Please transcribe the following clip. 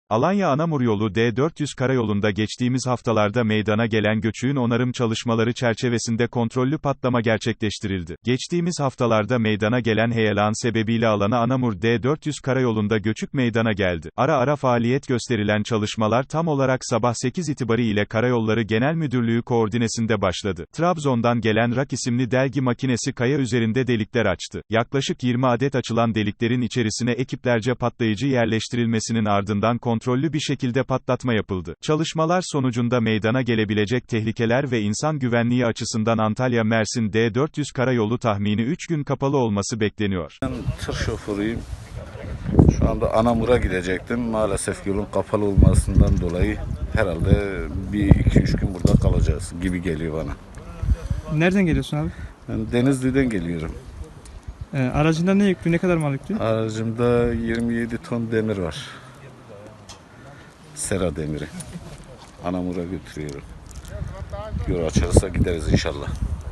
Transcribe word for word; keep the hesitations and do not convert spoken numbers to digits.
Alanya-Anamur yolu D dört yüz karayolunda geçtiğimiz haftalarda meydana gelen göçüğün onarım çalışmaları çerçevesinde kontrollü patlama gerçekleştirildi. Geçtiğimiz haftalarda meydana gelen heyelan sebebiyle Alanya-Anamur D dört yüz karayolunda göçük meydana geldi. Ara ara faaliyet gösterilen çalışmalar tam olarak sabah sekiz itibariyle Karayolları Genel Müdürlüğü koordinesinde başladı. Trabzon'dan gelen Rak isimli delgi makinesi kaya üzerinde delikler açtı. Yaklaşık yirmi adet açılan deliklerin içerisine ekiplerce patlayıcı yerleştirilmesinin ardından kontrollü bir şekilde patlatma yapıldı. Çalışmalar sonucunda meydana gelebilecek tehlikeler ve insan güvenliği açısından Antalya-Mersin D dört yüz karayolu tahmini üç gün kapalı olması bekleniyor. Ben tır şoförüyüm. Şu anda Anamur'a gidecektim. Maalesef yolun kapalı olmasından dolayı herhalde bir iki üç gün burada kalacağız gibi geliyor bana. Nereden geliyorsun abi? Ben Denizli'den geliyorum. Ee, aracında ne yüklü, ne kadar mal yüklü? Aracımda yirmi yedi ton demir var. Sera demiri. Anamur'a götürüyorum. Yol açılırsa gideriz inşallah.